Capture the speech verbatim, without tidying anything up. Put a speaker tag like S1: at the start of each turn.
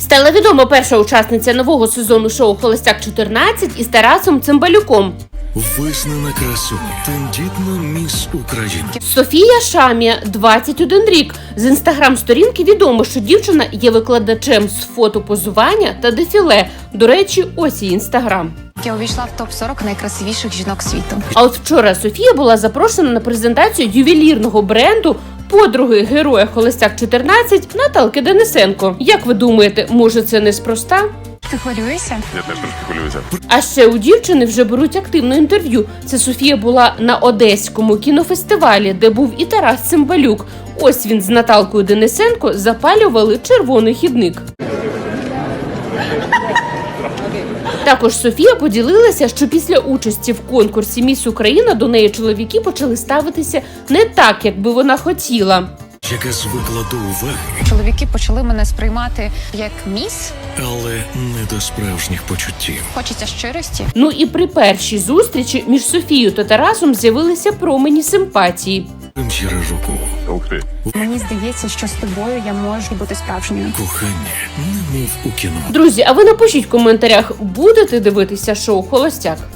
S1: Стала відома перша учасниця нового сезону шоу «Холостяк чотирнадцять» із Тарасом Цимбалюком.
S2: Визнана красуня, тендітна міс України.
S1: Софія Шамія, двадцять один рік. З інстаграм-сторінки відомо, що дівчина є викладачем з фотопозування та дефіле. До речі, ось її інстаграм.
S3: Я увійшла в топ сорок найкрасивіших жінок світу.
S1: А от вчора Софія була запрошена на презентацію ювелірного бренду подруги героя «Холостяк чотирнадцять» Наталки Денисенко. Як ви думаєте, може це неспроста?
S3: Ти хвилюєшся?
S4: Я теж трошки хвилююся.
S1: А ще у дівчини вже беруть активне інтерв'ю. Це Софія була на Одеському кінофестивалі, де був і Тарас Цимбалюк. Ось він з Наталкою Денисенко запалювали червоний хідник. Також Софія поділилася, що після участі в конкурсі «Міс Україна» до неї чоловіки почали ставитися не так, як би вона хотіла.
S2: Яка звикла до уваги,
S3: Чоловіки почали мене сприймати як міс.
S2: але не до справжніх почуттів.
S3: Хочеться щирості.
S1: Ну і при першій зустрічі між Софією та Тарасом з'явилися промені симпатії.
S2: Прем'єра року.
S4: Ух ти.
S3: Мені здається, що з тобою я можу бути справжньою.
S2: Кохання, немов у кіно.
S1: Друзі, а ви напишіть в коментарях, будете дивитися шоу «Холостяк»?